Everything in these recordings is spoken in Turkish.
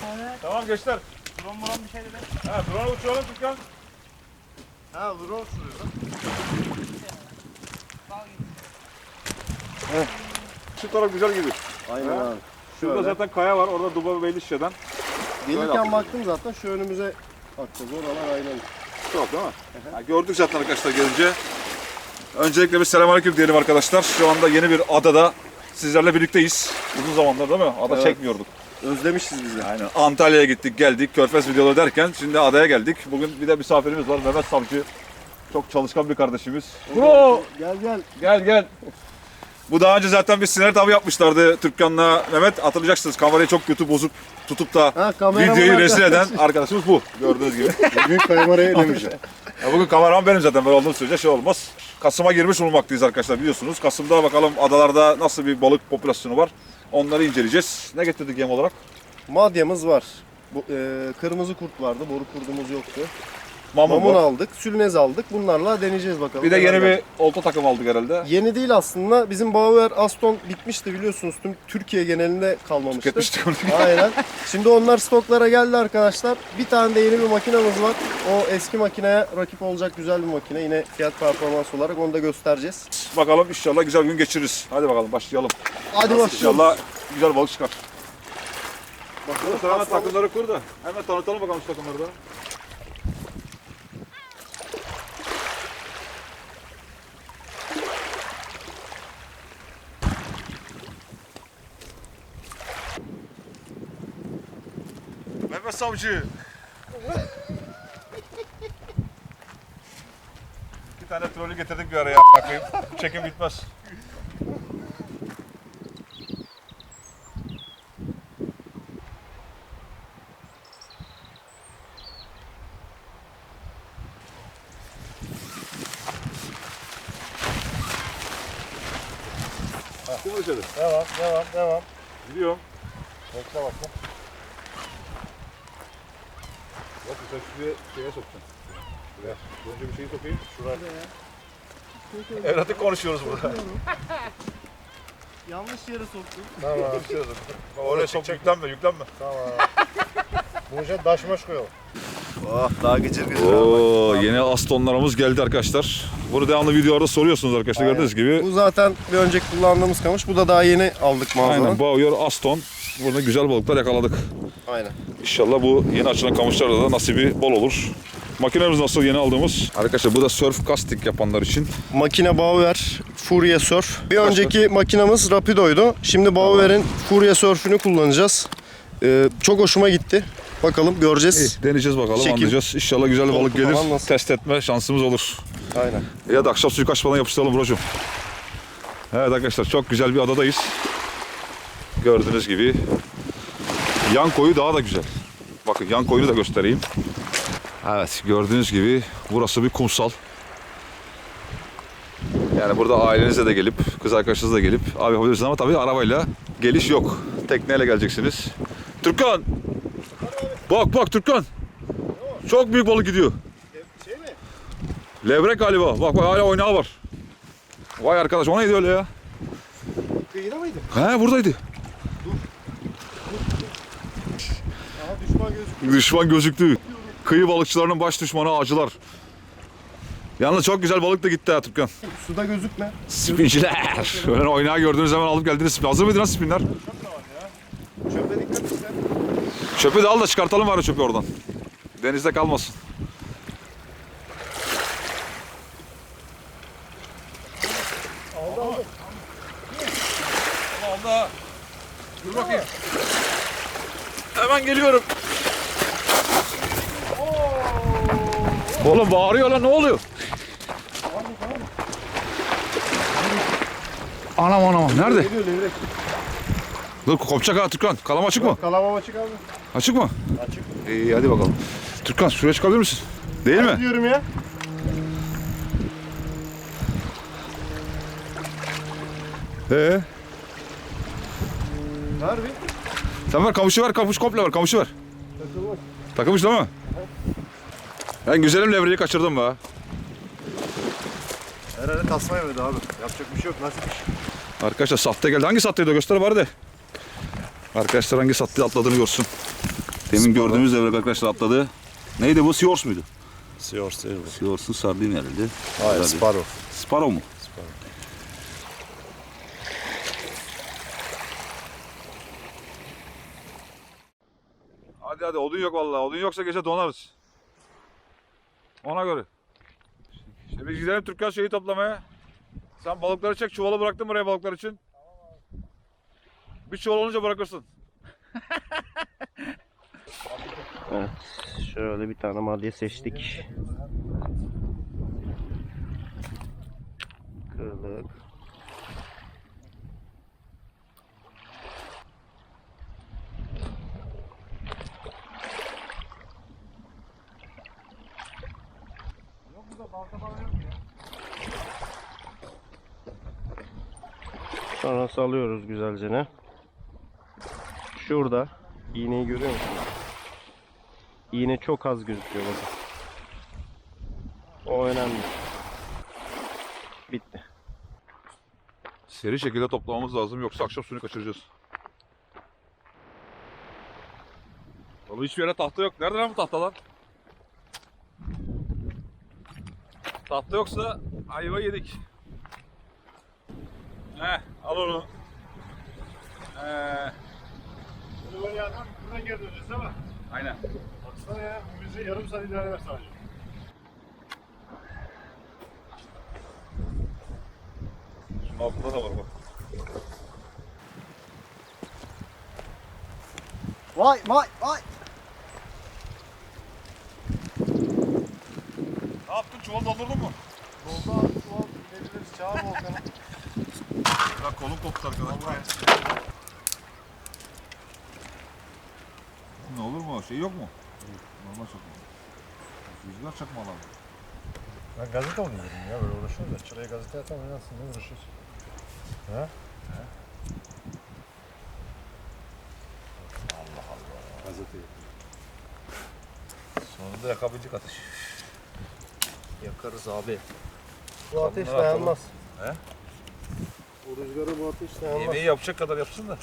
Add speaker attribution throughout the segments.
Speaker 1: Evet.
Speaker 2: Tamam gençler.
Speaker 1: Drone bir şey dedi.
Speaker 2: Ha, drone uçuralım Türkan.
Speaker 3: Ha drone sürüyor lan.
Speaker 2: Şu taraf güzel gibi.
Speaker 3: Aynen
Speaker 2: Ha?
Speaker 3: abi.
Speaker 2: Şurada
Speaker 3: Şöyle.
Speaker 2: zaten kaya var. Orada Dubai Beylişe'den. Böyle
Speaker 3: Gelirken
Speaker 2: yaptık.
Speaker 3: baktım zaten şu önümüze bakacağız. Oralar aynen.
Speaker 2: Çok değil mi? Ha, gördük zaten arkadaşlar gelince. Öncelikle bir selamünaleyküm diyelim arkadaşlar. Şu anda yeni bir adada sizlerle birlikteyiz. Uzun zamandır değil mi? Ada
Speaker 3: Evet.
Speaker 2: çekmiyorduk.
Speaker 3: Özlemişiz biz de.
Speaker 2: Aynen. Antalya'ya gittik, geldik. Körfez videoları derken şimdi adaya geldik. Bugün bir de misafirimiz var. Mehmet Savcı. Çok çalışkan bir kardeşimiz. Bro!
Speaker 3: Gel gel.
Speaker 2: Gel gel. Bu daha önce zaten bir sinerit avı yapmışlardı Türkkan'la Mehmet. Hatırlayacaksınız kamerayı çok kötü bozup tutup da
Speaker 3: Ha, kameraman
Speaker 2: videoyu rezil eden
Speaker 3: arkadaş.
Speaker 2: arkadaşımız bu. Gördüğünüz gibi.
Speaker 3: Bugün kamerayı elemeyeceğim.
Speaker 2: Ya bugün kameraman benim zaten, böyle olduğum sürece şey olmaz. Kasım'a girmiş bulunmaktayız arkadaşlar, biliyorsunuz. Kasım'da bakalım adalarda nasıl bir balık popülasyonu var. Onları inceleyeceğiz. Ne getirdik yem olarak?
Speaker 3: Madyamız var. Bu, kırmızı kurt vardı. Boru kurdumuz yoktu.
Speaker 2: Mamun
Speaker 3: Mamun
Speaker 2: var.
Speaker 3: aldık. Sülnez aldık. Bunlarla deneyeceğiz bakalım.
Speaker 2: Bir de yeni
Speaker 3: Neler
Speaker 2: bir
Speaker 3: gelecek.
Speaker 2: olta takım aldık herhalde.
Speaker 3: Yeni değil aslında. Bizim Bauer Aston bitmişti biliyorsunuz. Tüm Türkiye genelinde kalmamıştı.
Speaker 2: Tüketmiştik onu.
Speaker 3: Aynen. Şimdi onlar stoklara geldi arkadaşlar. Bir tane de yeni bir makinamız var. O eski makineye rakip olacak güzel bir makine. Yine fiyat performans olarak onu da göstereceğiz.
Speaker 2: Bakalım inşallah güzel gün geçiririz. Hadi bakalım başlayalım.
Speaker 3: Hadi başlayalım.
Speaker 2: İnşallah güzel balık çıkar.
Speaker 3: Bakalım.
Speaker 2: Sen hemen takımları kur da. Hemen tanıtalım bakalım şu takımları da. Mehmet Savcı. İki tane trolü getirdik bir araya. Bakayım. Çekim bitmez. Kim içeri?
Speaker 3: Devam.
Speaker 2: Gidiyorum.
Speaker 3: Bekle bakma.
Speaker 2: Bak sen şuraya şeye sokacaksın. Şuraya. Önce bir şeyi sokayım. Şuraya. Evlatlık konuşuyoruz burada.
Speaker 3: Yanlış yere soktum.
Speaker 2: Tamam. Konuşuyoruz. Oraya çok yüklenme, yüklenme.
Speaker 3: Tamam. Bu işe daşmaş koyalım. Oh daha gıcır gıcır.
Speaker 2: Oo, yeni Aston'larımız geldi arkadaşlar. Bunu devamlı videolarda soruyorsunuz arkadaşlar,
Speaker 3: Aynen.
Speaker 2: gördüğünüz gibi.
Speaker 3: Bu zaten bir önceki kullandığımız kamış. Bu da daha yeni aldık mağazadan.
Speaker 2: Aynen, Bauer Aston. Burada güzel balıklar yakaladık.
Speaker 3: Aynen.
Speaker 2: İnşallah bu yeni açılan kamışlarda da nasibi bol olur. Makinemiz nasıl, yeni aldığımız? Arkadaşlar bu da surf casting yapanlar için.
Speaker 3: Makine Bauer Furia Surf. Bir önceki makinamız Rapido'ydu. Şimdi Bauer'in Furia Surf'ünü kullanacağız. Çok hoşuma gitti. Bakalım göreceğiz.
Speaker 2: Deneyeceğiz bakalım,
Speaker 3: Çekim.
Speaker 2: anlayacağız. İnşallah güzel bir balık
Speaker 3: Korku
Speaker 2: gelir.
Speaker 3: falan nasıl?
Speaker 2: Test etme şansımız olur.
Speaker 3: Aynen.
Speaker 2: Ya da akşam suyu kaçmadan yapıştıralım brocum. Evet arkadaşlar, çok güzel bir adadayız. Gördüğünüz gibi. Yan koyu daha da güzel. Bakın yan koyunu da göstereyim. Evet, gördüğünüz gibi burası bir kumsal. Yani burada ailenizle de gelip, kız arkadaşınızla da gelip abi yapabilirsiniz ama tabii arabayla geliş yok. Tekneyle geleceksiniz. Türkan! Bak Türkan! Çok büyük balık gidiyor.
Speaker 3: Şey mi?
Speaker 2: Levrek galiba. Bak hala oynağı var. Vay arkadaş, o neydi öyle ya?
Speaker 3: Kıyıda mıydı?
Speaker 2: He, buradaydı.
Speaker 3: Aha düşman gözüküyor.
Speaker 2: Düşman gözüktü. Kıyı balıkçılarının baş düşmanı acılar. Yalnız çok güzel balık da gitti ha Türkan.
Speaker 3: Suda gözükme.
Speaker 2: Spinciler. Öyle oynağı gördüğünüz zaman alıp geldiniz. Hazır mıydın lan spinler?
Speaker 3: Çöpe dikkat et sen.
Speaker 2: Çöpü de al da çıkartalım bari çöpü oradan. Denizde kalmasın. Aldı. Dur bakayım. Hemen geliyorum. Oğlum bağırıyor lan, ne oluyor? Anam nerede?
Speaker 3: Geliyor levrek.
Speaker 2: Dur kopacak ha Türkan. Kalam açık mı?
Speaker 3: Kalamam açık abi.
Speaker 2: Açık mı?
Speaker 3: Açık.
Speaker 2: İyi hadi bakalım. Türkan şuraya çıkabilir misin? Değil mi?
Speaker 3: Diyorum ya. Harbi.
Speaker 2: Sen ver kamışı ver, kamış komple ver, kamışı ver.
Speaker 3: Takılmaz.
Speaker 2: Takılmış değil mi? Ben güzelim levreyi kaçırdım be.
Speaker 3: Herhalde tasma yemedi abi. Yapacak bir şey yok. Nasip iş.
Speaker 2: Arkadaşlar sahte geldi. Hangi sahteydi o? Göster bari de. Arkadaşlar hangi sahte atladığını görsün. Demin gördüğümüz levrek arkadaşlar atladı. Neydi bu? Seahorse muydu?
Speaker 1: Seahorse değil bu.
Speaker 2: Seahorse'un sardin herhalde.
Speaker 1: Hayır, Sparrow.
Speaker 2: Sparrow mu? Hadi odun yok vallahi. Odun yoksa gece donarız. Ona göre. İşte biz gidelim Türkan şeyi toplamaya. Sen balıkları çek. Çuvalı bıraktın buraya balıklar için. Bir çuval olunca bırakırsın.
Speaker 3: Evet, şöyle bir tane madde seçtik. Kırdık. Sonra salıyoruz güzelce ne? Şurada iğneyi görüyor musun? İğne çok az gözüküyor bakın. O önemli. Bitti.
Speaker 2: Seri şekilde toplamamız lazım yoksa akşam suyunu kaçıracağız. Vallahi hiçbir yere tahta yok. Nerede lan bu tahtalar? Tahta yoksa ayva yedik. Al onu.
Speaker 1: Bunu böyle yapmak buradan geri döneceğiz değil mi?
Speaker 2: Aynen.
Speaker 1: Baksana ya, müziği yarım saat ilerlemek sadece.
Speaker 2: Şunun altında da var bak.
Speaker 3: Vay vay vay.
Speaker 2: Ne yaptın? Çuval doldurdun mu?
Speaker 1: Doldu abi, çuval inebiliriz. Çağır Volkan'ı.
Speaker 2: Ya kolum koptu arkadaşlar. Ne olur mu? Şey yok mu? Normal çakma. Rüzgar çakma alalım.
Speaker 1: Ben gazete oynuyorum ya, böyle uğraşıyorum da. Çıraya gazete atam oynarsın, ne uğraşıyorsun? He? Allah Allah. Gazete.
Speaker 2: Sonunda yakabilecek ateş.
Speaker 3: Yakarız abi. Bu ateş
Speaker 2: Bunları
Speaker 3: dayanmaz.
Speaker 2: He?
Speaker 3: Bu rüzgara bu ateş dayanmaz.
Speaker 2: Yemeği yapacak kadar yapsın da.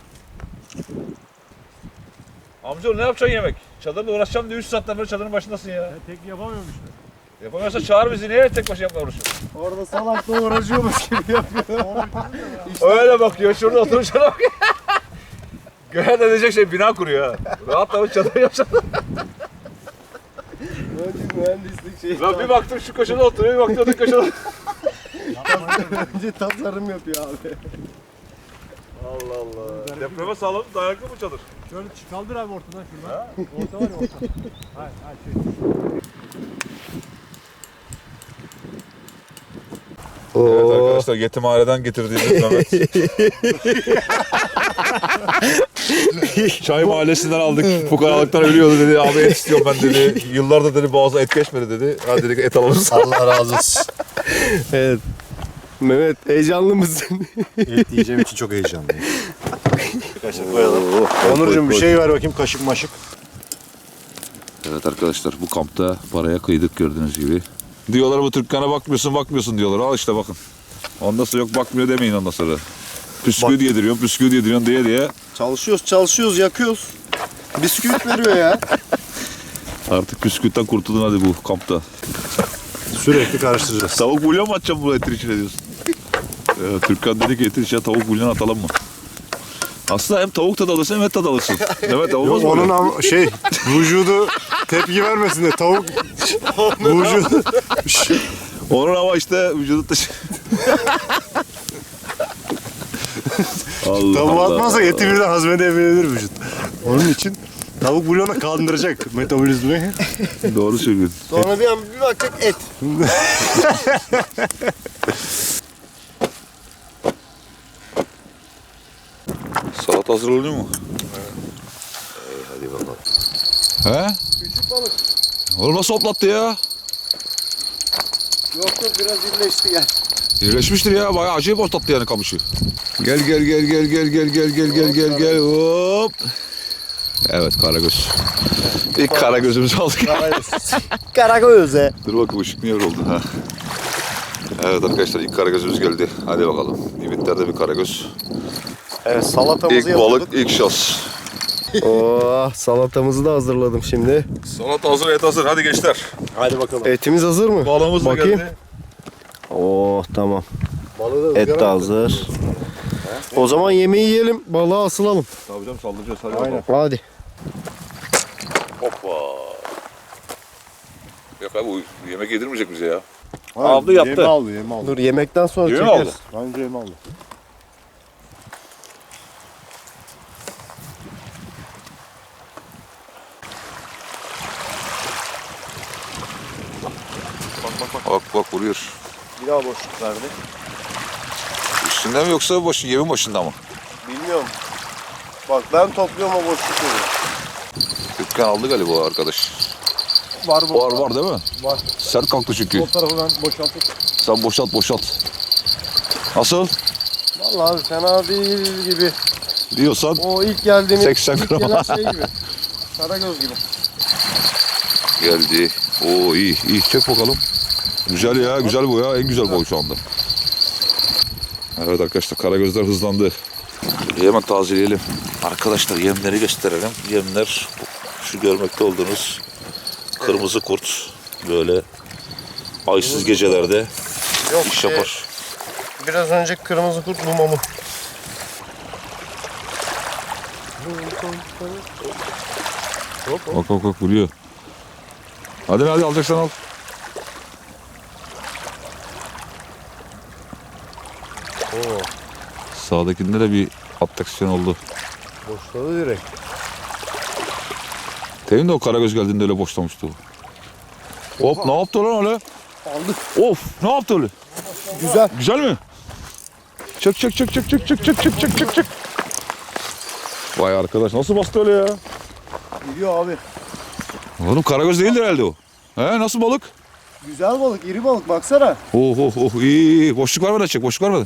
Speaker 2: Amcaoğlu ne yapacaksın yemek? Çadırla uğraşacağım diye 3 saatten beri çadırın başındasın ya.
Speaker 1: Ben tek yapamıyorum işte.
Speaker 2: Yapamıyorsa çağır bizi. Niye tek başına yapma uğraşıyorsun?
Speaker 3: Orada salakla uğraşıyormuş gibi yapıyor.
Speaker 2: Öyle bakıyor. Şurada oturuşuna bak. Göğe de diyecek şey bina kuruyor ha. Rahatla çadır yapacak.
Speaker 3: Önce mühendislik şeyi.
Speaker 2: Lan bir baktım şu köşede oturuyor, bir baktım öteki köşede.
Speaker 3: Önce tasarım yapıyor abi.
Speaker 2: Allah Allah. Depreme sağlam dayanıklı mı çadır?
Speaker 1: Şöyle kaldır abi ortadan şuradan. Orta var ya orta. Hayır, hayır şey.
Speaker 2: Evet arkadaşlar yetimhaneden getirdiğimiz Mehmet. Çay mahallesinden aldık. Fukaralıktan ölüyordu dedi. Abi et istiyorum ben dedi. Yıllardır dedi boğaza et geçmedi dedi. Hadi dedik et alalım.
Speaker 1: Allah razı olsun.
Speaker 3: Evet. Mehmet heyecanlı mısın?
Speaker 1: Et yiyeceğim için çok heyecanlıyım. Kaşık koyalım. Onurcuğum bir şey ver bakayım, kaşık maşık.
Speaker 2: Evet arkadaşlar bu kampta paraya kıydık gördüğünüz gibi. Diyorlar bu Türkkan'a bakmıyorsun diyorlar. Al işte bakın. Ondan sonra yok bakmıyor demeyin ondan sonra. Püsküvit yediriyorsun diye.
Speaker 3: Çalışıyoruz, yakıyoruz. Bisküvit veriyor ya.
Speaker 2: Artık püsküvitten kurtuldun hadi bu kampta.
Speaker 1: Sürekli karıştıracağız.
Speaker 2: Tavuk bulyon mu atacağım bu etin içine diyorsun? Türkkan dedi ki etin içine tavuk bulyon atalım mı? Aslında hem tavuk tadı alırsın hem et tadı alırsın. Evet olmaz mı?
Speaker 1: Onun vücudu tepki vermesin de tavuk vücudu.
Speaker 2: Onun ama işte vücudu taşı. Allah
Speaker 1: Tavuğu
Speaker 2: Allah.
Speaker 1: atmazsak eti birden hazmedebilir vücut. Onun için tavuk bulyona kaldıracak metabolizmayı.
Speaker 2: Doğru söylüyorsun.
Speaker 3: Sonra bir bakacak et.
Speaker 2: Salata hazırlanıyor mu?
Speaker 1: Hadi bakalım.
Speaker 2: He?
Speaker 3: Küçük balık.
Speaker 2: Oğlum nasıl hoplattı ya?
Speaker 3: Yok biraz irileşti gel.
Speaker 2: İyileşmiştir ya. Bayağı acayip hoplattı yani kamışı. Gel. Hop. Evet karagöz. İlk karagözümüzü aldık.
Speaker 3: Karagöz'e.
Speaker 2: Dur bakayım ışık niye öyle oldu ha. Evet arkadaşlar ilk karagözümüz geldi. Hadi bakalım. Limitlerde bir karagöz.
Speaker 3: Evet salatamızı
Speaker 2: İlk
Speaker 3: yapıyorduk.
Speaker 2: balık, ilk şans.
Speaker 3: Oh, salatamızı da hazırladım şimdi.
Speaker 2: Salata hazır, et hazır. Hadi gençler.
Speaker 1: Hadi bakalım.
Speaker 3: Etimiz hazır mı?
Speaker 2: Balığımız da
Speaker 3: Bakayım.
Speaker 2: geldi.
Speaker 3: Oh, tamam.
Speaker 1: Balığı da
Speaker 3: Et de hazır. O zaman yemeği yiyelim, balığa asılalım.
Speaker 2: Tabii canım saldıracağız. Hadi
Speaker 1: Aynen.
Speaker 2: bakalım.
Speaker 3: Hadi.
Speaker 2: Hoppa. Yok abi bu yemek yedirmeyecek bize ya.
Speaker 1: Aldı
Speaker 2: yaptı.
Speaker 1: Yemi aldı, yemi aldı.
Speaker 3: Dur, yemekten sonra
Speaker 2: Yemi
Speaker 3: çekeriz.
Speaker 2: aldı.
Speaker 1: Bence yemi aldı.
Speaker 2: Bak vuruyor.
Speaker 3: Bir daha boşluk verdi.
Speaker 2: Üstünde mi yoksa yemin başında mı?
Speaker 3: Bilmiyorum. Bak ben topluyorum, o boşluk veriyor.
Speaker 2: Dükkan aldı galiba o arkadaş.
Speaker 1: Var bu.
Speaker 2: Var değil mi?
Speaker 1: Var.
Speaker 2: Sert kalktı çünkü.
Speaker 1: O tarafı ben boşaltıp.
Speaker 2: Sen boşalt. Nasıl?
Speaker 3: Vallahi abi fena değil gibi.
Speaker 2: Diyorsan
Speaker 3: O ilk geldiğimiz
Speaker 2: 80
Speaker 3: ilk
Speaker 2: gram.
Speaker 3: gelen şey gibi. Karagöz gibi.
Speaker 2: geldi. Oo iyi. Çek bakalım. Güzel ya. Güzel bu ya. En güzel boy şu anda. Evet arkadaşlar karagözler hızlandı. Hemen tazeleyelim. Arkadaşlar yemleri gösterelim. Yemler şu görmekte olduğunuz kırmızı kurt. Böyle aysız gecelerde
Speaker 3: Yok,
Speaker 2: iş yapar.
Speaker 3: Biraz önce kırmızı kurt bu mamu.
Speaker 2: Bak vuruyor. Hadi alacaksan al.
Speaker 3: Oo,
Speaker 2: Sağdakinde de bir atraksiyon oldu.
Speaker 3: boşladı direkt.
Speaker 2: Temin de o karagöz geldiğinde öyle boşlamıştı o. Hop ne yaptı lan öyle?
Speaker 3: Aldık.
Speaker 2: Of ne yaptı öyle?
Speaker 3: Güzel.
Speaker 2: Güzel mi? Çek. Vay arkadaş nasıl bastı öyle ya?
Speaker 3: Gidiyor abi.
Speaker 2: Oğlum karagöz değildir herhalde o. He nasıl balık?
Speaker 3: Güzel balık, iri balık baksana.
Speaker 2: iyi. Boşluk var mı da çek boşluk var mı da?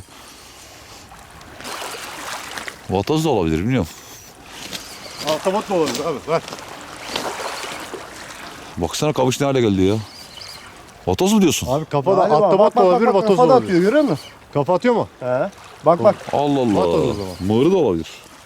Speaker 2: Vatoz da olabilir bilmiyorum.
Speaker 1: Ahtapot da olabilir abi. Ver.
Speaker 2: Baksana kamış ne hale geldi ya. Vatoz mu diyorsun?
Speaker 1: Abi kafada ahtapot da olabilir, vatoz da
Speaker 3: Kafa da
Speaker 1: olabilir.
Speaker 3: atıyor, görüyor musun?
Speaker 1: Kafa atıyor mu?
Speaker 3: He. Bak.
Speaker 2: Allah
Speaker 1: Vatoz o
Speaker 2: Allah.
Speaker 1: zaman.
Speaker 2: Mığırı da olabilir.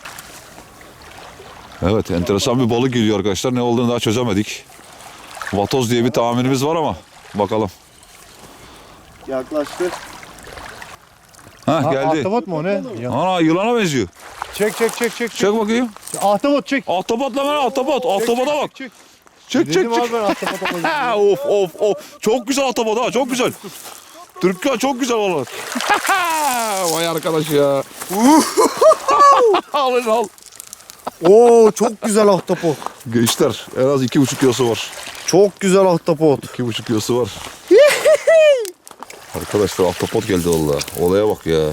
Speaker 2: Evet enteresan bir balık geliyor arkadaşlar. Ne olduğunu daha çözemedik. Vatoz diye bir tahminimiz var ama bakalım.
Speaker 3: Yaklaştı.
Speaker 2: Ha geldi.
Speaker 1: Ahtapot mu o ne? Ya.
Speaker 2: Ana yılana benziyor.
Speaker 1: Çek.
Speaker 2: Çek bakayım.
Speaker 1: Ahtapot çek.
Speaker 2: Ahtapot lan ahtapot. Ahtapota bak.
Speaker 1: Çek.
Speaker 2: Çek.
Speaker 1: Dedim abi ben ahtapota koyayım.
Speaker 2: Ha, of. Çok güzel ahtapot ha çok güzel. Türkan çok güzel olur. Vay arkadaş ya. al.
Speaker 3: Oo, çok güzel ahtapot.
Speaker 2: Gençler en az 2,5 kilosu var.
Speaker 3: Çok güzel ahtapot.
Speaker 2: 2,5 kilosu var. Arkadaşlar ahtapot geldi valla. Olaya bak ya.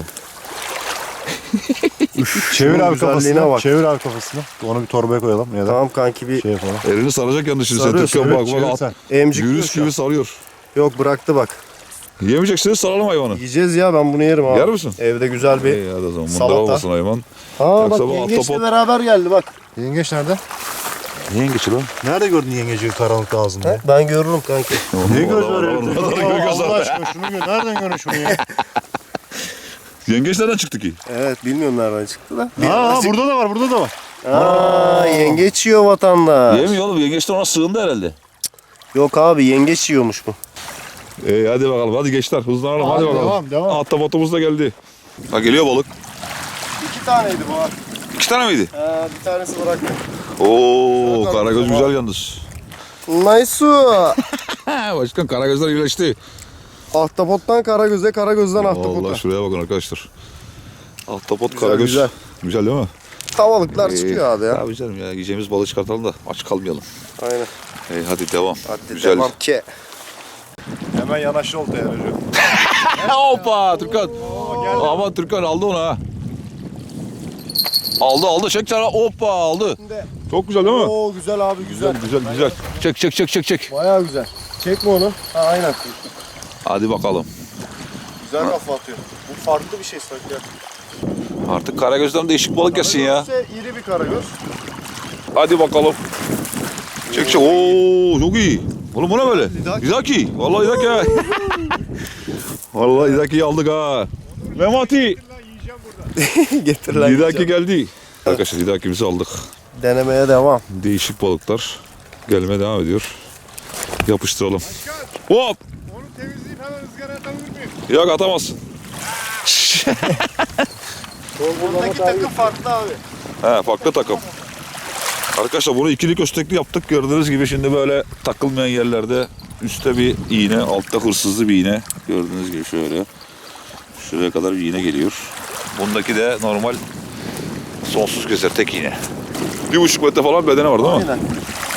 Speaker 1: Çevir abi
Speaker 3: güzelliğine
Speaker 1: kafasını.
Speaker 3: bak.
Speaker 1: Çevir abi kafasını. Onu bir torbaya koyalım ya da
Speaker 3: Tamam kanki, bir
Speaker 1: şey yapalım.
Speaker 2: Elini saracak yanlış şimdi.
Speaker 3: Sarıyor,
Speaker 2: Türkan
Speaker 3: sarıyor.
Speaker 2: bak
Speaker 1: Çevir
Speaker 2: at.
Speaker 1: sen.
Speaker 3: emcik
Speaker 2: Virüs gibi sarıyor.
Speaker 3: Yok, bıraktı bak.
Speaker 2: Yemeyeceksiniz saralım hayvanı.
Speaker 3: Yiyeceğiz ya, ben bunu yerim abi.
Speaker 2: Yer misin?
Speaker 3: Evde güzel bir
Speaker 2: İyi hadi o zaman.
Speaker 3: salata.
Speaker 2: Mundar olmasın hayvan.
Speaker 3: Aa bak,
Speaker 2: Yoksa bu
Speaker 3: yengeçle
Speaker 2: ahtapot-
Speaker 3: beraber geldi bak.
Speaker 1: Yengeç nerede?
Speaker 2: Niye geçi lan?
Speaker 1: Nerede gördün yengeci karanlıkta ağzında?
Speaker 3: He, ben görürüm kanki.
Speaker 1: Ne göz var ya?
Speaker 2: Göz
Speaker 1: Allah
Speaker 2: var.
Speaker 1: aşkına şunu gör. Nereden görün şunu ya?
Speaker 2: Yengeç nereden çıktı ki?
Speaker 3: Evet, bilmiyorum nereden çıktı da.
Speaker 1: Ha burada da var, burada da var.
Speaker 3: Aa, yengeç yiyor vatandaş.
Speaker 2: Yemiyor oğlum. Yengeç de ona sığındı herhalde.
Speaker 3: Yok abi, yengeç yiyormuş bu.
Speaker 2: Hadi bakalım. Hadi gençler hızlanalım. Hadi bakalım.
Speaker 1: Devam.
Speaker 2: Ahtapotumuz da geldi. Ha geliyor balık.
Speaker 3: 2 taneydi bu ha.
Speaker 2: 2 tane miydi?
Speaker 3: Bir tanesi bıraktı.
Speaker 2: Oo karagöz güzel yalnız.
Speaker 3: Nice.
Speaker 2: Başkan karagözler iyileşti.
Speaker 3: Ahtapottan karagöze, karagözden ahtapota.
Speaker 2: Vallahi şuraya bakın arkadaşlar. Ahtapot
Speaker 3: Güzel,
Speaker 2: karagöz.
Speaker 3: güzel.
Speaker 2: Güzel değil mi?
Speaker 3: Havalıklar çıkıyor abi ya.
Speaker 2: Tabii canım ya. Yiyeceğimiz balığı çıkartalım da aç kalmayalım.
Speaker 3: Aynen.
Speaker 2: Hadi devam.
Speaker 3: Hadi
Speaker 2: Güzel.
Speaker 3: devam ki.
Speaker 1: Hemen yanaştı oltaya Recep.
Speaker 2: Hoppa Türkan. Aman Türkan aldı onu ha. Aldı çek sana. Hoppa aldı. Çok güzel değil mi?
Speaker 3: Oo, güzel abi, güzel.
Speaker 2: Güzel. Çek.
Speaker 3: Bayağı güzel. Çekme onu. Ha, aynen.
Speaker 2: Hadi bakalım.
Speaker 3: Güzel kafa atıyor. Bu farklı bir şey sanki ya.
Speaker 2: Artık karagözden değişik balık yesin ya.
Speaker 3: Karagözse iri bir karagöz.
Speaker 2: Hadi bakalım. Çek. Oo çok iyi. Oğlum bu ne böyle? İzaki. Vallahi İzaki ha. Vallahi İzaki'yi aldık ha. Memati.
Speaker 3: Getir lan.
Speaker 2: İzaki geldi. Arkadaşlar İzaki'mizi aldık.
Speaker 3: Denemeye devam.
Speaker 2: Değişik balıklar gelmeye devam ediyor. Yapıştıralım. Hop!
Speaker 1: Onu temizleyip hemen ızgara atabilir miyim?
Speaker 2: Yok atamazsın.
Speaker 3: Buradaki takım farklı abi.
Speaker 2: He, farklı takım. Arkadaşlar bunu ikili köstekli yaptık. Gördüğünüz gibi şimdi böyle takılmayan yerlerde üstte bir iğne, altta hırsızlı bir iğne. Gördüğünüz gibi şöyle. Şuraya kadar bir iğne geliyor. Bundaki de normal sonsuz keser tek iğne. 1,5 metre falan bedene var değil mi?
Speaker 3: Aynen.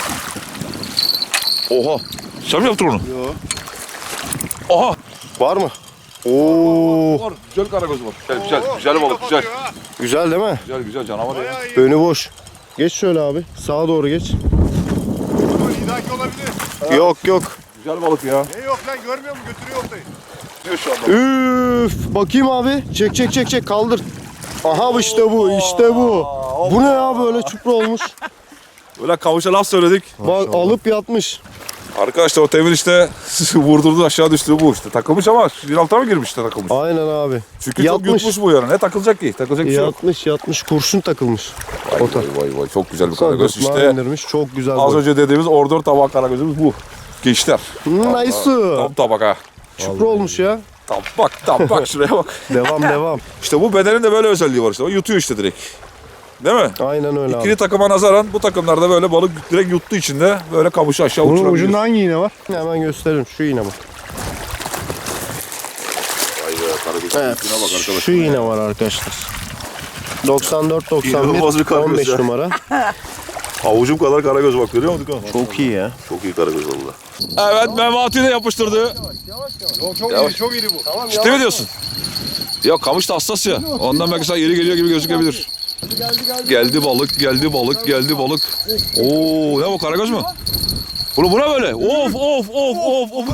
Speaker 2: Oha! Sen mi yaptın onu?
Speaker 3: Yo.
Speaker 2: Oha!
Speaker 3: Var mı? Oo.
Speaker 2: Var. Güzel karagöz var. Güzel, güzel balık, güzel.
Speaker 3: Güzel değil mi?
Speaker 2: Güzel, güzel canavar ya.
Speaker 1: Bayağı iyi.
Speaker 3: Önü boş. Geç şöyle abi. Sağa doğru geç.
Speaker 1: Bu lidaki olabilir.
Speaker 3: Yok yok.
Speaker 2: Güzel balık ya.
Speaker 1: Ne yok lan görmüyor musun? Götürüyor oltayı.
Speaker 2: Diyor şu anda.
Speaker 3: Üf. Bakayım abi. Çek çek çek çek kaldır. Aha işte bu işte bu. Bu ne ya böyle çupra olmuş.
Speaker 2: Böyle kavuşa laf söyledik.
Speaker 3: Bak alıp yatmış.
Speaker 2: Arkadaşlar o Temel işte vurdurdu aşağı düştü bu işte. Takılmış ama bir altına mı girmiş işte takılmış.
Speaker 3: Aynen abi.
Speaker 2: Çünkü
Speaker 3: Yatmış.
Speaker 2: çok yutmuş bu yani. Ne takılacak ki? Takılacak bir şey yok.
Speaker 3: Yatmış kurşun takılmış.
Speaker 2: Vay
Speaker 3: Ota.
Speaker 2: vay vay çok güzel bir karagöz
Speaker 3: Gırtlağı
Speaker 2: işte.
Speaker 3: indirmiş. Çok güzel.
Speaker 2: Az
Speaker 3: boy.
Speaker 2: önce dediğimiz ordör tabak karagözümüz bu. Gençler.
Speaker 3: Nice.
Speaker 2: Tam tabak ha.
Speaker 3: Çupra olmuş ya.
Speaker 2: Tabak şuraya bak.
Speaker 3: Devam.
Speaker 2: İşte bu bedenin de böyle özelliği var işte. O yutuyor işte direkt. Değil mi?
Speaker 3: Aynen öyle
Speaker 2: İkili
Speaker 3: abi.
Speaker 2: takıma nazaran bu takımlarda böyle balık direkt yuttuğu için de böyle kamışı aşağı uçurabiliyor.
Speaker 1: hangi iğne var?
Speaker 3: Hemen gösteririm. Şu iğne bak.
Speaker 2: Vay be karagöz.
Speaker 3: Evet.
Speaker 2: Şuna bak arkadaşlar.
Speaker 3: Şu iğne var arkadaşlar. 94
Speaker 2: İnanılmaz bir
Speaker 3: 91
Speaker 2: karagöz
Speaker 3: 15
Speaker 2: ya.
Speaker 3: numara.
Speaker 2: Avucum kadar karagöz bak görüyor musun?
Speaker 3: Çok iyi ya.
Speaker 2: Çok iyi karagöz oldu. Evet Memati de yapıştırdı.
Speaker 1: Çok
Speaker 2: Yavaş.
Speaker 1: iri, çok iri bu.
Speaker 2: Ciddi mi diyorsun? Ya kamış da hassas ya. Ondan belki sana yeri geliyor gibi gözükebilir. Geldi balık, geldi balık, geldi balık. Oo, ne bu karagöz mü? Bu ne böyle? Of.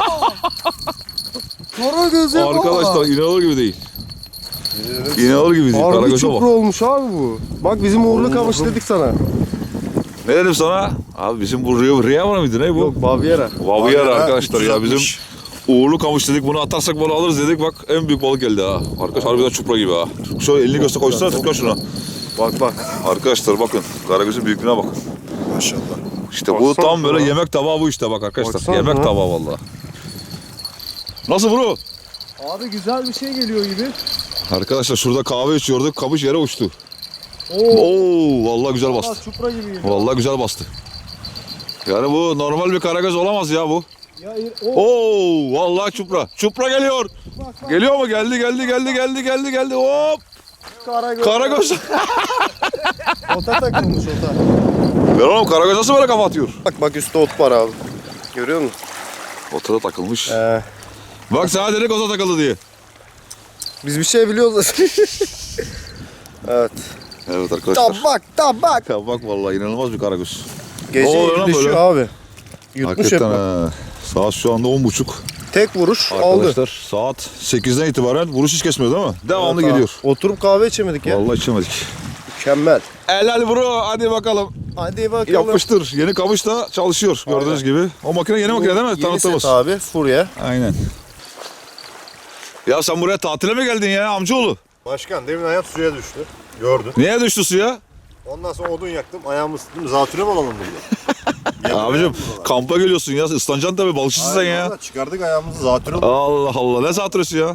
Speaker 3: Karagöz
Speaker 2: Arkadaşlar inanılır gibi değil. İnanılır gibi değil.
Speaker 3: Harbi
Speaker 2: Karagöz'e
Speaker 3: çupra
Speaker 2: bak.
Speaker 3: olmuş abi bu. Bak bizim uğurlu kamış dedik sana.
Speaker 2: Ne dedim sana? Abi bizim bu Riyavar mıydı ne bu?
Speaker 3: Yok Baviera.
Speaker 2: Baviera arkadaşlar ya
Speaker 1: 360.
Speaker 2: bizim uğurlu kamış dedik bunu atarsak bunu alırız dedik bak en büyük balık geldi ha. Arkadaş harbiden çupra gibi ha. Şöyle elini göster koysana tıkla şuna.
Speaker 3: Bak.
Speaker 2: Arkadaşlar bakın karagözün büyüklüğüne bakın.
Speaker 1: Maşallah.
Speaker 2: İşte bu
Speaker 3: Baksana
Speaker 2: tam böyle
Speaker 3: ya.
Speaker 2: yemek tabağı bu işte bak arkadaşlar.
Speaker 3: Baksana
Speaker 2: Yemek
Speaker 3: ya.
Speaker 2: tabağı vallahi. Nasıl bro?
Speaker 3: Abi güzel bir şey geliyor gibi.
Speaker 2: Arkadaşlar şurada kahve içiyorduk kamış yere uçtu. Oo vallahi güzel bastı.
Speaker 3: Çupra gibi geliyor.
Speaker 2: Vallahi güzel bastı. Yani bu normal bir karagöz olamaz ya bu.
Speaker 3: Ya,
Speaker 2: Oo vallahi çupra. Çupra geliyor. Geliyor mu? Geldi. Hop.
Speaker 3: Karagöz.
Speaker 2: Karagöz.
Speaker 3: Ota takılmış ota.
Speaker 2: Ver oğlum karagöz nasıl böyle kafa atıyor?
Speaker 3: Bak üstte ot var abi. Görüyor musun?
Speaker 2: Ota da takılmış.
Speaker 3: Ee,
Speaker 2: Bak sana dedik ota takıldı diye.
Speaker 3: biz bir şey biliyoruz. Evet.
Speaker 2: Evet arkadaşlar.
Speaker 3: Tabak.
Speaker 2: Bak vallahi inanılmaz bir karagöz.
Speaker 3: Gece
Speaker 2: Ne oluyor lan
Speaker 3: düşüyor
Speaker 2: böyle?
Speaker 3: abi. Yutmuş hep.
Speaker 2: Hakikaten
Speaker 3: bak.
Speaker 2: ha. Saat şu anda 10.30.
Speaker 3: Tek vuruş aldı.
Speaker 2: Arkadaşlar saat 8'den itibaren vuruş hiç kesmiyor değil mi? Devamlı
Speaker 3: Evet abi.
Speaker 2: geliyor.
Speaker 3: Oturup kahve içemedik ya.
Speaker 2: Vallahi içemedik.
Speaker 3: Mükemmel.
Speaker 2: Helal bro hadi bakalım.
Speaker 3: Hadi bakalım.
Speaker 2: Yapıştır. Yeni kamış da çalışıyor gördüğünüz gibi. O makine yeni makine değil mi?
Speaker 3: Yeni
Speaker 2: Tanıttığımız.
Speaker 3: set abi. Furya.
Speaker 2: Aynen. Ya sen buraya tatile mi geldin ya amcaoğlu?
Speaker 1: Başkan demin ayağım suya düştü. Gördün.
Speaker 2: Niye düştü suya?
Speaker 1: Ondan sonra odun yaktım. Ayağımı ısıttım. Zatürre mi alalım burada?
Speaker 2: Abicim kampa geliyorsun ya. Islanacaksın tabii balıkçısın sen ya.
Speaker 1: Çıkardık ayağımızı zatürre olduk.
Speaker 2: Allah Allah ne zatürresi ya?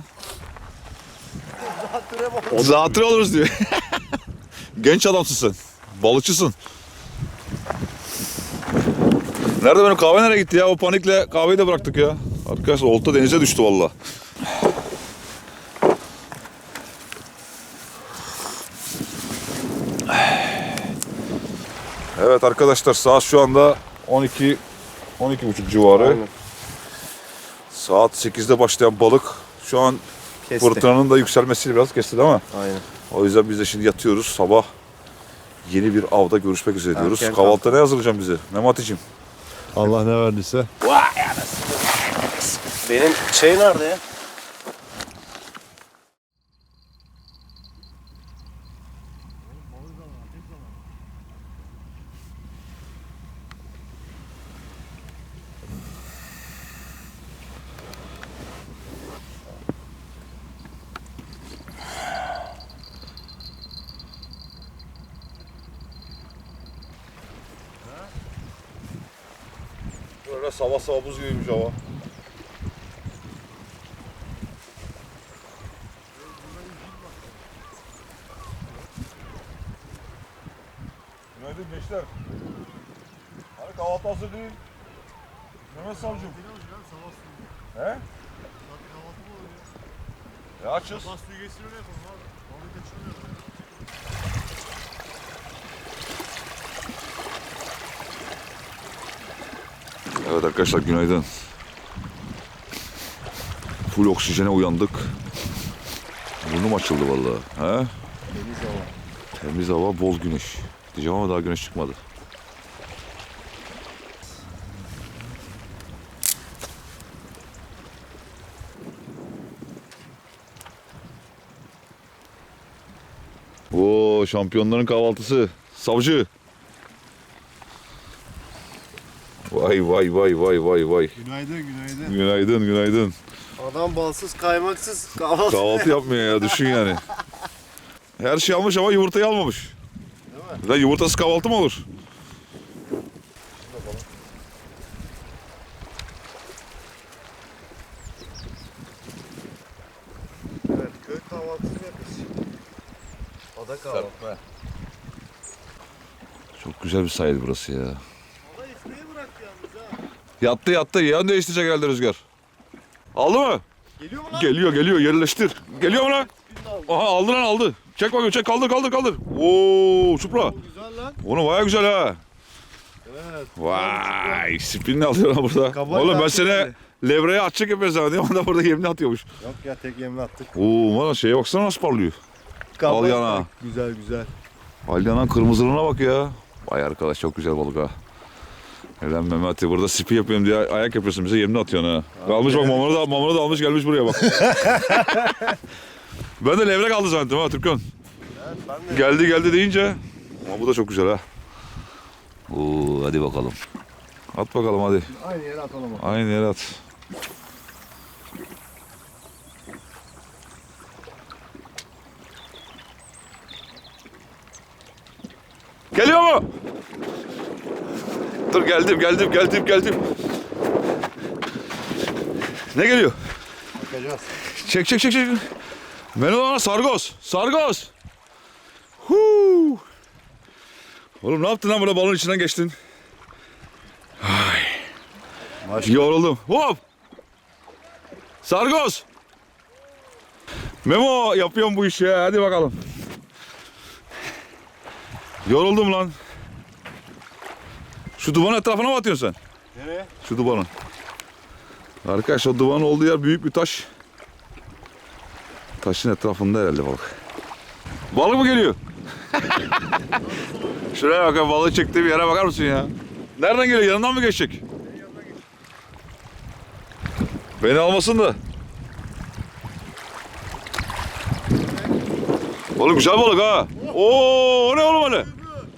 Speaker 2: Zatürre oluruz diyor. Genç adamsın sen. Balıkçısın. Nerede benim kahve nereye gitti ya? O panikle kahveyi de bıraktık ya. Arkadaşlar olta denize düştü valla. Evet arkadaşlar saat şu anda 12 12.30 civarı.
Speaker 3: Aynen.
Speaker 2: Saat 8'de başlayan balık şu an
Speaker 3: Kesti.
Speaker 2: fırtınanın da yükselmesiyle biraz kesti değil mi?
Speaker 3: Aynen.
Speaker 2: O yüzden biz de şimdi yatıyoruz. Sabah yeni bir avda görüşmek üzere diyoruz.
Speaker 3: Erken
Speaker 2: Kahvaltıda ne hazırlayacaksın bize? Memati'cim.
Speaker 1: Allah ne verdiyse.
Speaker 3: Benim şey nerede ya?
Speaker 2: Aga sabah sabah buz gibiymiş hava. Günaydın gençler. Hani kahvaltı hazır değil. Mehmet Savcım. He? Ya açız. Evet arkadaşlar günaydın. Full oksijene uyandık. Burnum açıldı vallahi. He?
Speaker 1: Temiz hava.
Speaker 2: Temiz hava, bol güneş. Diyeceğim ama daha güneş çıkmadı. Oo, şampiyonların kahvaltısı. Savcı. Vay vay vay vay vay vay.
Speaker 1: Günaydın, günaydın.
Speaker 2: Günaydın günaydın.
Speaker 3: Adam balsız kaymaksız kahvaltı.
Speaker 2: Kahvaltı yapmıyor ya, düşün yani. Her şey almış ama yumurtayı almamış.
Speaker 3: Değil mi?
Speaker 2: Lan yumurtasız kahvaltı mı olur?
Speaker 3: Evet, köy kahvaltısı yapıyoruz. Ada kahvaltı.
Speaker 2: Çok güzel bir sahil burası ya.
Speaker 3: Hava esmeyi bıraktı yalnız ha.
Speaker 2: Yattı yattı. Yön değiştirecek herhalde rüzgar. Aldı mı?
Speaker 3: Geliyor mu lan?
Speaker 2: Geliyor geliyor, yerleştir. Geliyor mu lan? Aha aldı lan aldı. Çek bakayım, çek, kaldır kaldır kaldır. Oo Supra.
Speaker 3: Güzel lan.
Speaker 2: Onu baya güzel ha.
Speaker 3: Evet.
Speaker 2: Vay spinini alıyor lan burada.
Speaker 3: Kabak
Speaker 2: Oğlum ben
Speaker 3: artık
Speaker 2: seni
Speaker 3: böyle.
Speaker 2: levreye atacak yapıyor zannediyorum. Onda burada yemini atıyormuş.
Speaker 1: Yok ya, tek yemle attık.
Speaker 2: Oo bana şeye baksana nasıl parlıyor. Al yana.
Speaker 3: Güzel güzel.
Speaker 2: Alyanan kırmızılığına bak ya. Vay arkadaş çok güzel balık ha. Neden Mehmet'i burada spi yapıyorum diye ayak yapıyorsun bize yemini atıyorsun ha. Almış bak mamonu da almış gelmiş buraya bak. Ben de levrek aldı zannettim ha Türkan.
Speaker 3: Evet, ben de.
Speaker 2: Geldi deyince. Ama bu da çok güzel ha. Oo hadi bakalım. At bakalım hadi.
Speaker 1: Aynı yere atalım.
Speaker 2: Aynı yere at. Geliyor mu? Dur geldim. Ne geliyor?
Speaker 1: Bakacağız.
Speaker 2: Çek. Melona sargoz. Huu. Oğlum ne yaptın lan burada balon içinden geçtin?
Speaker 1: Maşallah.
Speaker 2: Yoruldum. Hop. Sargoz. Memo yapıyorum bu işi ya. Hadi bakalım. Yoruldum lan. Şu duvarın etrafına mı atıyorsun sen?
Speaker 1: Nereye?
Speaker 2: Şu duvarın. Arkadaş o duvarın olduğu yer büyük bir taş. Taşın etrafında herhalde balık. Balık mı geliyor? Şuraya bak, balığı çektiği bir yere bakar mısın ya? Nereden geliyor? Yanından mı geçecek? Beni almasın da. Oğlum güzel balık ha. Oo, o ne oğlum öyle?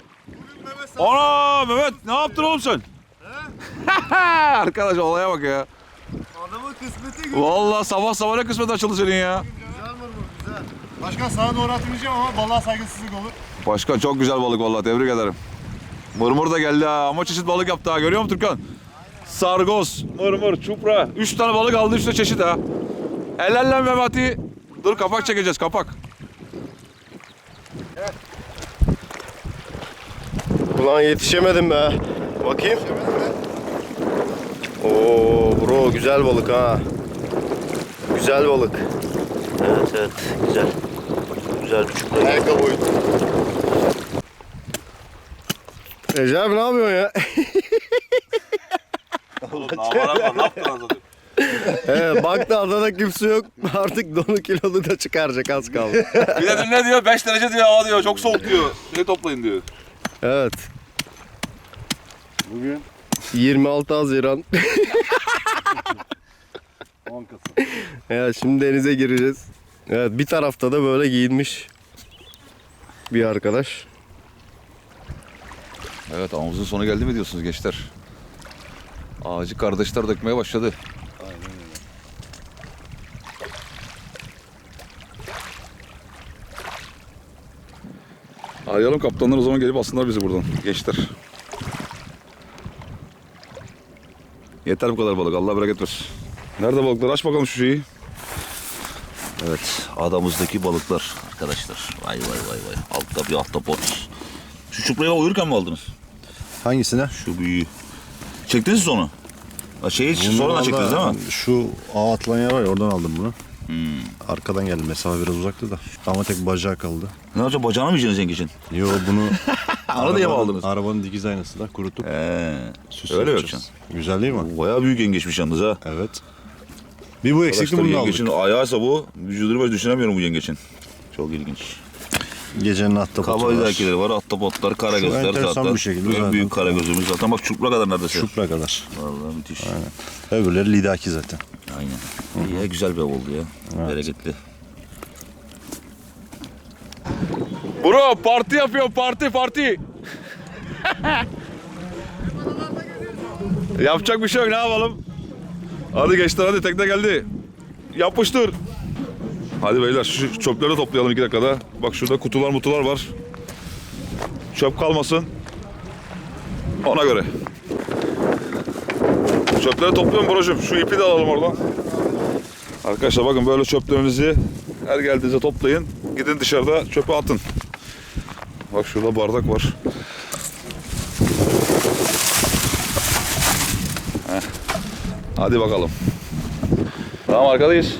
Speaker 2: Ana Mehmet ne yaptın oğlum sen? Arkadaş olaya bak ya.
Speaker 3: Adamın kısmeti güzel.
Speaker 2: Vallahi sabah ne kısmet açıldı senin ya.
Speaker 3: Güzel mırmır güzel.
Speaker 1: Başkan sana doğru atmayacağım ama balığa saygısızlık olur.
Speaker 2: Başkan çok güzel balık vallahi, tebrik ederim. Mırmır da geldi ha, ama çeşit balık yaptı ha, görüyor musun Türkan? Sargoz, mırmır, çupra. 3 tane balık aldı, 3 de çeşit ha. Helal Mehmet'i. Dur kapak çekeceğiz, kapak.
Speaker 3: Ulan yetişemedim be. Bakayım. Oo bro güzel balık ha. Güzel balık. Evet güzel. Güzel bir çupra.
Speaker 1: Ayakkabı oydu.
Speaker 3: Recep abi ne yapıyorsun ya?
Speaker 2: Ne yaptın az önce?
Speaker 3: Baktı adada kimse yok. Artık donu kilolu da çıkaracak az kaldı.
Speaker 2: Bir de dün ne diyor? 5 derece diyor, hava diyor, çok soğuk diyor. Şey toplayın diyor.
Speaker 3: Evet.
Speaker 1: Bugün
Speaker 3: 26 Haziran.
Speaker 1: 10 Kasım.
Speaker 3: Evet şimdi denize gireceğiz. Evet bir tarafta da böyle giyinmiş bir arkadaş.
Speaker 2: Evet, avımızın sonu geldi mi diyorsunuz gençler? Ağacı kardeşler dökmeye başladı.
Speaker 1: Aynen öyle.
Speaker 2: Arayalım kaptanlar, o zaman gelip alsınlar bizi buradan gençler. Yeter bu kadar balık. Allah bereket versin. Nerede balıklar? Aç bakalım şu şeyi.
Speaker 4: Evet, adamızdaki balıklar arkadaşlar. Vay vay vay vay. Altta bir ahtapot. Şu çupraya uyurken mi aldınız?
Speaker 1: Hangisine?
Speaker 4: Şu büyüğü. Çektiniz mi onu? Şeyi sonradan çektiniz değil mi?
Speaker 1: Şu ağ atılan yer var ya, oradan aldım bunu. Arkadan geldim, mesafe biraz uzaktı da. Ama tek bacağı kaldı.
Speaker 4: Ne yapacak? Bacağına mı yiyeceksiniz yengeçin?
Speaker 1: Yo, bunu
Speaker 4: Onu diye mi aldınız?
Speaker 1: arabanın dikiz aynası da kurutup süs
Speaker 4: öyle
Speaker 1: yapacağız.
Speaker 4: yapacaksın.
Speaker 1: Güzel değil mi?
Speaker 4: Bayağı büyük yengeçmiş yalnız ha.
Speaker 1: Evet. Bir bu eksikti,
Speaker 4: Arkadaşlar,
Speaker 1: bunu aldık.
Speaker 4: yengeçin ayağıysa bu. Vücudunu böyle düşünemiyorum bu yengeçin. Çok ilginç.
Speaker 1: Gecenin ahtapotu var.
Speaker 4: Kabaydakileri var, ahtapotlar, karagözler
Speaker 1: enteresan
Speaker 4: zaten.
Speaker 1: bir şekilde
Speaker 4: En
Speaker 1: zaten.
Speaker 4: büyük karagözümüz zaten. Bak çupra kadar neredeyse.
Speaker 1: Şupra kadar.
Speaker 4: Vallahi müthiş.
Speaker 1: Öbürleri lidaki zaten.
Speaker 4: Aynen. İyi ya, güzel bir av oldu ya. Bereketli.
Speaker 2: Bro parti yapıyor, parti. Yapacak bir şey yok, ne yapalım? Hadi gençler, hadi tekne geldi. Yapıştır. Hadi beyler, şu çöpleri toplayalım 2 dakikada. Bak şurada kutular var. Çöp kalmasın. Ona göre. Çöpleri topluyorum brocum. Şu ipi de alalım oradan. Arkadaşlar bakın, böyle çöplerinizi her geldiğinizde toplayın. Gidin dışarıda çöpe atın. Bak şurada bardak var. Heh. Hadi bakalım. Tamam, arkadayız.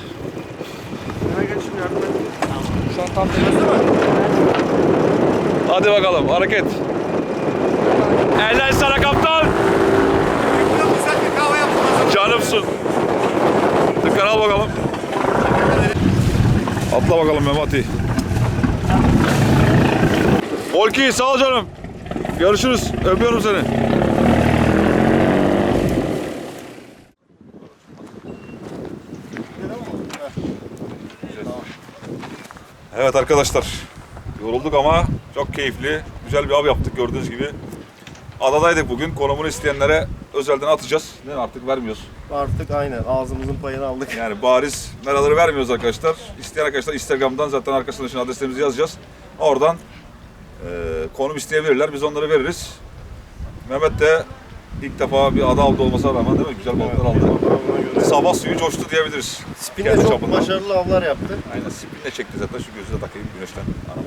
Speaker 2: Hadi bakalım, hareket. Eller sana kaptan. Canımsın. Dikkat al bakalım. Atla bakalım Memati. Volki, sağ ol canım. Görüşürüz. Öpüyorum seni. Evet arkadaşlar. Yorulduk ama çok keyifli. Güzel bir av yaptık gördüğünüz gibi. Adadaydık bugün. Konumunu isteyenlere özelden atacağız. Değil mi? Artık vermiyoruz.
Speaker 3: Artık aynen ağzımızın payını aldık.
Speaker 2: Yani bariz meraları vermiyoruz arkadaşlar. İsteyen arkadaşlar Instagram'dan zaten arkasında şimdi adreslerimizi yazacağız. Oradan konum isteyebilirler. Biz onları veririz. Mehmet de ilk defa bir ada avda olmasına rağmen değil mi? Güzel balıklar aldı. Sabah suyu coştu diyebiliriz.
Speaker 3: Spin'le
Speaker 2: Kendi
Speaker 3: çok
Speaker 2: çapından.
Speaker 3: başarılı avlar yaptı.
Speaker 2: Aynen, spinle çekti zaten. Şu gözü de takayım güneşten.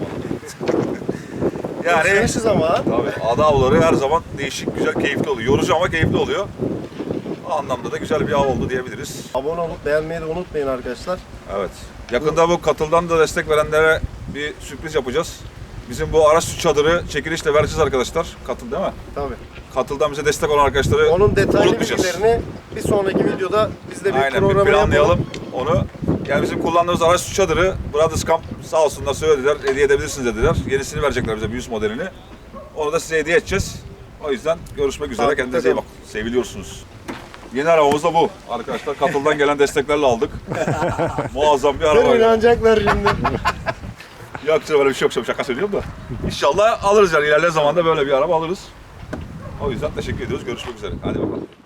Speaker 3: Özlemişiz ama.
Speaker 2: Tabii ada avları her zaman değişik, güzel, keyifli oluyor. Yorucu ama keyifli oluyor. O anlamda da güzel bir av oldu diyebiliriz.
Speaker 3: Abone olup beğenmeyi de unutmayın arkadaşlar.
Speaker 2: Evet. Yakında bu Katıl'dan da destek verenlere bir sürpriz yapacağız. Bizim bu araç çadırı çekilişle vereceğiz arkadaşlar. Katıl değil mi?
Speaker 3: Tabii.
Speaker 2: Katıl'dan bize destek olan arkadaşları
Speaker 3: Onun detaylı
Speaker 2: unutmayacağız.
Speaker 3: bilgilerini bir sonraki videoda biz de bir
Speaker 2: Aynen, bir
Speaker 3: programı
Speaker 2: planlayalım onu. Yani bizim kullandığımız araç çadırı Brothers Camp sağ olsunlar söylediler. Hediye edebilirsiniz dediler. Yenisini verecekler bize, bir yüz modelini. Onu da size hediye edeceğiz. O yüzden görüşmek üzere.
Speaker 3: Takipte
Speaker 2: Kendinize iyi
Speaker 3: kalın.
Speaker 2: bakın. Seviliyorsunuz. Yeni arabamız da bu arkadaşlar. Katıl'dan gelen desteklerle aldık. Muazzam bir
Speaker 3: yapalım.
Speaker 2: araba.
Speaker 3: İnanacaklar şimdi.
Speaker 2: Yok canım, öyle bir şey yok. Şaka söylüyorum da. İnşallah alırız yani. İlerleyen zamanda böyle bir araba alırız. O yüzden teşekkür ediyoruz. Görüşmek üzere. Hadi bakalım.